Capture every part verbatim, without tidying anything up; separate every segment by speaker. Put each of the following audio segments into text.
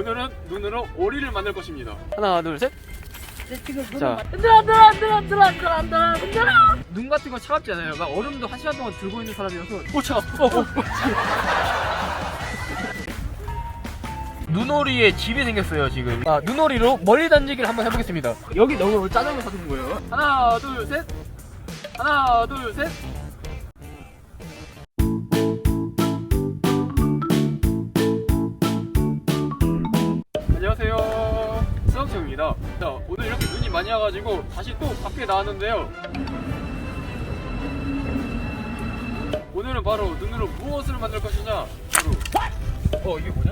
Speaker 1: 오늘은 눈으로 오리를 만들 것입니다. 하나, 둘, 셋.
Speaker 2: 네, 지금
Speaker 1: 자.
Speaker 2: 흔들어 흔들어 흔들어 흔들어 흔들어 흔들어 흔들어.
Speaker 1: 눈 같은 건 차갑지 않아요. 막 얼음도 한 시간 동안 들고 있는 사람이어서. 오, 차가. 어, 어. 눈오리에 집이 생겼어요 지금. 아, 눈오리로 멀리 던지기를 한번 해보겠습니다. 여기 너무 짜장면 사둔 거예요. 하나, 둘, 셋. 하나, 둘, 셋. 안녕하세요, 수학청입니다. 자, 오늘 이렇게 눈이 많이 와가지고 다시 또 밖에 나왔는데요. 오늘은 바로 눈으로 무엇을 만들 것이냐, 바로 어 이게 뭐냐?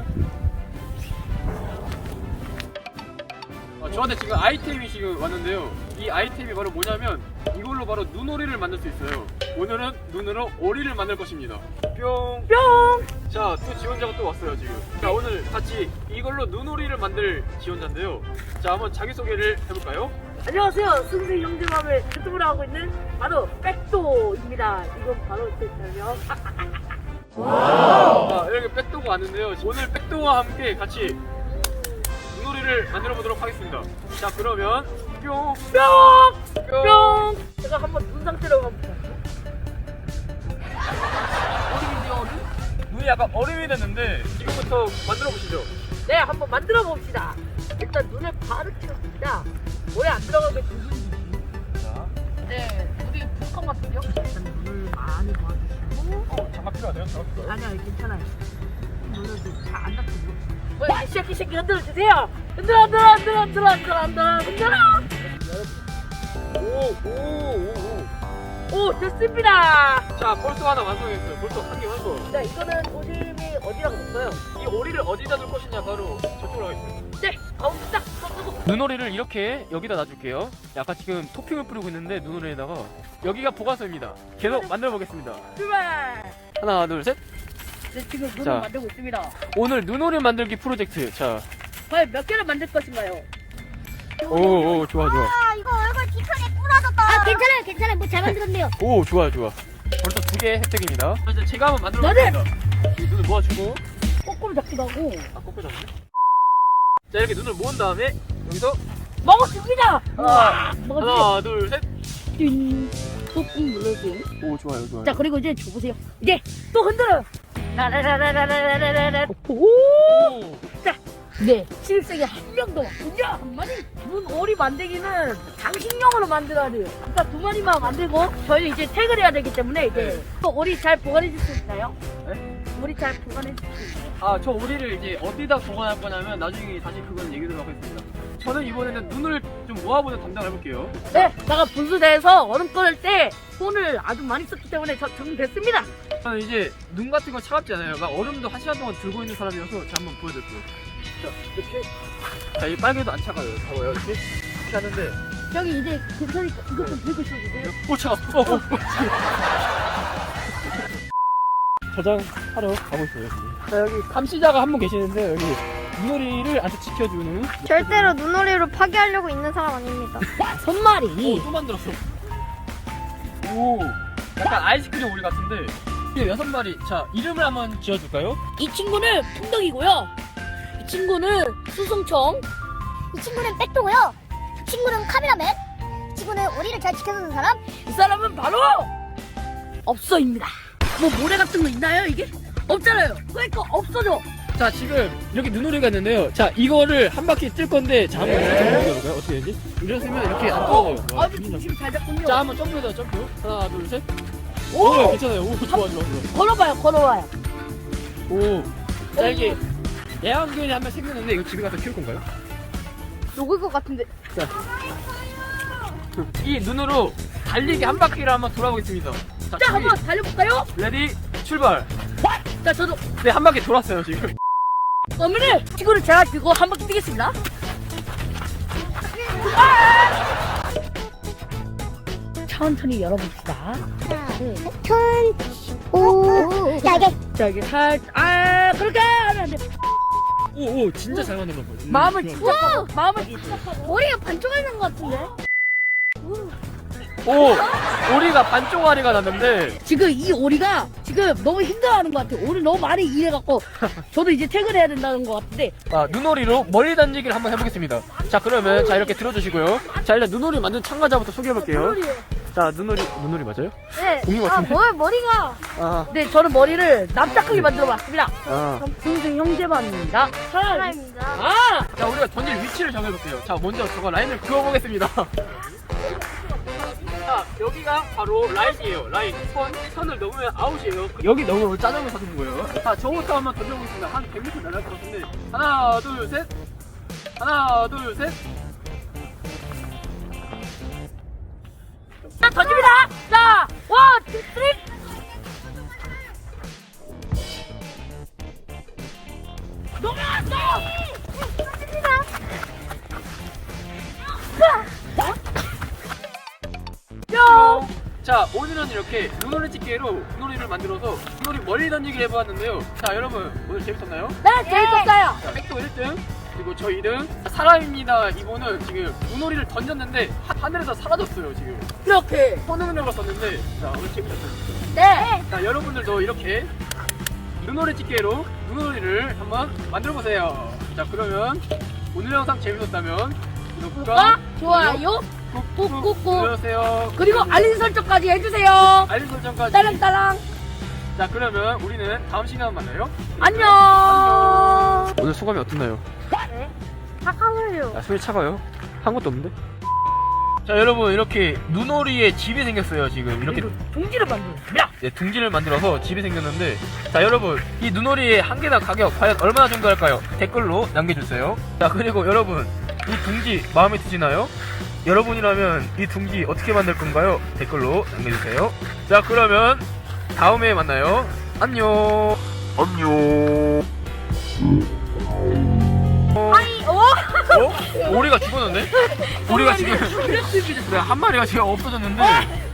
Speaker 1: 아, 저한테 지금 아이템이 지금 왔는데요. 이 아이템이 바로 뭐냐면 이걸로 바로 눈오리를 만들 수 있어요. 오늘은 눈으로 오리를 만들 것입니다. 뿅!
Speaker 2: 뿅.
Speaker 1: 자, 또 지원자가 또 왔어요 지금. 자, 오늘 같이 이걸로 눈오리를 만들 지원자인데요. 자, 한번 자기소개를 해볼까요?
Speaker 2: 안녕하세요. 승승 형제맘을 유튜브를 하고 있는 바로 백도입니다. 이건 바로 제 별명.
Speaker 1: 자, 이렇게 백도가 왔는데요. 오늘 백도와 함께 같이 눈오리를 만들어 보도록 하겠습니다. 자, 그러면 뿅!
Speaker 2: 뿅! 뿅! 제가 한번 눈 상태로 가볼게요.
Speaker 1: 어린이 얼음? 눈이 약간 얼음이 됐는데 지금부터 만들어 보시죠.
Speaker 2: 네, 한번 만들어 봅시다. 일단 눈을 바로 켜줍니다. 물에 안 들어가게 두분.
Speaker 1: 자,
Speaker 2: 네, 물이 부족한 것 같은데요? 일단 눈을 많이 모아주시고.
Speaker 1: 어, 장갑 필요하세요? 장갑 필요해요?
Speaker 2: 아니요, 괜찮아요. 눈을 잘안 닫히고. 뭐, 이렇게 쉐키 쉐키 흔들어 주세요. 흔들어, 흔들어, 흔들어, 흔들어, 흔들어, 흔들어, 흔들어.
Speaker 1: 오, 오, 오, 오.
Speaker 2: 오, 됐습니다.
Speaker 1: 자, 벌써 하나 완성했어요. 벌써 한 개 완성.
Speaker 2: 자, 이거는 오줌이 어디라고 넣었어요?
Speaker 1: 이 오리를 어디다 둘 것이냐, 바로 저쪽으로 하겠습니다.
Speaker 2: 네, 가운데 딱 쏘고.
Speaker 1: 눈오리를 이렇게 여기다 놔줄게요. 약간 지금 토핑을 뿌리고 있는데 눈오리에다가 여기가 보관소입니다. 계속 만들어 보겠습니다.
Speaker 2: 출발.
Speaker 1: 하나, 둘, 셋.
Speaker 2: 네, 지금 눈을
Speaker 1: 자.
Speaker 2: 만들고 있습니다.
Speaker 1: 오늘 눈오리 만들기 프로젝트. 자,
Speaker 2: 과연 몇 개를 만들 것인가요?
Speaker 1: 오, 오, 좋아, 좋아.
Speaker 3: 아 이거 얼굴 뒤편에 부러졌다. 아 괜찮아요 괜찮아요 뭐 잘 만들었네요.
Speaker 1: 오, 좋아, 좋아. 벌써 두 개 획득입니다. 이제 제가 한번 만들어
Speaker 2: 나는!
Speaker 1: 보겠습니다. 이 눈을 모아주고.
Speaker 2: 거꾸로 잡기도 하고.
Speaker 1: 아, 꺾여 잡네. 자, 이렇게 눈을 모은 다음에 여기서
Speaker 2: 먹었습니다.
Speaker 1: 하나,
Speaker 2: 먹었지?
Speaker 1: 하나, 둘, 셋.
Speaker 2: 띵. 꾹꾹 눌러주세요.
Speaker 1: 오, 좋아요, 좋아요.
Speaker 2: 자, 그리고 이제 줘보세요. 이제 또 흔들어요. 라라라라라라라라. 오.
Speaker 1: 오.
Speaker 2: 자, 네. 신입생이 한 명도 왔군요. 한 마리. 눈 오리 만들기는 장식용으로 만들어야 돼요. 아까 두 마리만 만들고 저희 이제 퇴근을 해야 되기 때문에 이제
Speaker 1: 네.
Speaker 2: 또 오리 잘 보관해 줄 수 있나요?
Speaker 1: 네?
Speaker 2: 오리 잘 보관해 줄 수 있나요?
Speaker 1: 아, 저 오리를 이제 어디다 보관할 거냐면 나중에 다시 그건 얘기하도록 하겠습니다. 저는 이번에는 눈을 좀 모아보는 담당을 해볼게요.
Speaker 2: 네, 제가 분수대에서 얼음 끓을 때 손을 아주 많이 썼기 때문에 저 정됐습니다.
Speaker 1: 저는 이제 눈 같은 건 차갑지 않아요. 막 얼음도 한 시간 동안 들고 있는 사람이어서 제가 한번 보여드릴게요. 자, 이렇게. 자, 이 빨개도 안 차가워요. 봐봐요. 이렇게. 이렇게 하는데.
Speaker 2: 저기 이제 괜찮으니까 이것 좀 들고 있어주세요.
Speaker 1: 오, 차가. 어, 어. 저장하러 가고 있어요. 지금. 자, 여기 감시자가 한 분 계시는데 여기 눈오리를 아주 지켜주는.
Speaker 3: 절대로 눈오리로 파괴하려고 있는 사람 아닙니다.
Speaker 2: 손말이.
Speaker 1: 오, 또 만들었어. 오, 약간 아이스크림 오리 같은데. 이게 여섯 마리. 자, 이름을 한번 지어줄까요?
Speaker 2: 이 친구는 풍덕이고요. 이 친구는 수승청.
Speaker 3: 이 친구는 백도고요. 이 친구는 카메라맨. 이 친구는 오리를 잘 지켜주는 사람.
Speaker 2: 이 사람은 바로 없어입니다. 뭐 모래 같은 거 있나요 이게? 없잖아요. 그러니까 없어져.
Speaker 1: 자, 지금 이렇게 눈오리가 있는데요. 자, 이거를 한 바퀴 뜰 건데, 자, 한번
Speaker 2: 네.
Speaker 1: 점프 해볼까요? 어떻게 되지? 이랬으면 이렇게 안 떨어져요.
Speaker 2: 어, 아주 중심 잘 잡군요.
Speaker 1: 자, 한번 점프해서 점프. 하나, 둘, 셋.
Speaker 2: 오!
Speaker 1: 오, 괜찮아요. 오, 좋아, 좋아, 좋아.
Speaker 2: 걸어봐요, 걸어봐요.
Speaker 1: 오. 자, 이게 애완견이 한 명 생겼는데, 이거 집에 가서 키울 건가요?
Speaker 2: 녹을 것 같은데.
Speaker 1: 자, 이 눈으로 달리기 한 바퀴를 한번 돌아보겠습니다. 자,
Speaker 2: 자,
Speaker 1: 준비.
Speaker 2: 한번 달려볼까요?
Speaker 1: 레디, 출발.
Speaker 2: 자, 저도
Speaker 1: 네, 한 바퀴 돌았어요, 지금.
Speaker 2: 어머니 친구를 제가 들고 한 바퀴 뛰겠습니다. 천천히 열어봅시다.
Speaker 3: 하나, 둘, 셋. 천. 오. 야 이게
Speaker 2: 자, 이게 살, 아, 그렇게 하면 안 돼.
Speaker 1: 오, 오, 진짜 잘 만든 거 보여.
Speaker 2: 마음을 진짜, 마음을 진짜.
Speaker 3: 머리가 반쪽이 난 것 같은데.
Speaker 1: 오 오리가 반 쪼가리가 났는데
Speaker 2: 지금 이 오리가 지금 너무 힘들어하는 것 같아요. 오늘 너무 많이 일해갖고 저도 이제 퇴근해야 된다는 것 같은데.
Speaker 1: 아, 눈오리로 머리 던지기를 한번 해보겠습니다. 자 그러면 자 이렇게 들어주시고요. 자 일단 눈오리 만든 참가자부터 소개해볼게요. 자 눈오리 눈오리 맞아요?
Speaker 3: 네.
Speaker 1: 공이 같은데?
Speaker 3: 뭘 머리가.
Speaker 1: 아,
Speaker 2: 네, 저는 머리를 납작하게 만들어봤습니다.
Speaker 1: 아.
Speaker 2: 동생 형제반입니다.
Speaker 3: 사람입니다.
Speaker 2: 아!
Speaker 1: 자 우리가 던질 위치를 정해볼게요. 자 먼저 저거 라인을 그어보겠습니다. 자 여기가 바로 라인이에요. 라인 선 선을 넘으면 아웃이에요. 여기 넘으면 짜장면 사주는 거예요. 자 저부터 한번 던져보겠습니다. 한 백 미터 날아갈 것 같은데 하나 둘 셋 하나 둘 셋.
Speaker 2: 자, 던집니다! 자, 원, 투, 쓰리! 넘어왔어! 뿅!
Speaker 1: 자 오늘은 이렇게 눈오리 집게로 눈오리를 만들어서 눈오리 멀리 던지기를 해보았는데요. 자 여러분 오늘 재밌었나요?
Speaker 2: 네, 재밌었어요!
Speaker 1: 자 백도 일 등 그리고 저 이 등 사람입니다. 이분은 지금 눈오리를 던졌는데 하, 하늘에서 사라졌어요. 지금
Speaker 2: 이렇게.
Speaker 1: 손흥민을 썼는데 자 오늘 재밌었어요.
Speaker 2: 네!
Speaker 1: 자 여러분들도 이렇게 눈오리 집게로 눈오리를 한번 만들어보세요. 자 그러면 오늘 영상 재밌었다면 구독과
Speaker 2: 구독과 좋아요,
Speaker 1: 꾹꾹
Speaker 2: 꾹꾹꾹.
Speaker 1: 눌러주세요.
Speaker 2: 그리고 알림 설정까지 해주세요!
Speaker 1: 알림 설정까지.
Speaker 2: 따랑따랑!
Speaker 1: 자 그러면 우리는 다음 시간에 만나요.
Speaker 2: 안녕!
Speaker 1: 오늘 소감이 어떻나요?
Speaker 3: 잠깐만요.
Speaker 1: 야, 손이 차가워요? 한 것도 없는데? 자 여러분 이렇게 눈오리에 집이 생겼어요. 지금 이렇게
Speaker 2: 그리고 동지를 만들었습니다.
Speaker 1: 네, 둥지를 만들어서 집이 생겼는데 자 여러분 이 눈오리의 한 개당 가격 과연 얼마나 정도 할까요? 댓글로 남겨주세요. 자 그리고 여러분 이 둥지 마음에 드시나요? 여러분이라면 이 둥지 어떻게 만들 건가요? 댓글로 남겨주세요. 자 그러면 다음에 만나요. 안녕. 안녕.
Speaker 2: 아이, 어?
Speaker 1: 어? 오리가 죽었는데? 오리가 지금 네, 한 마리가 지금 없어졌는데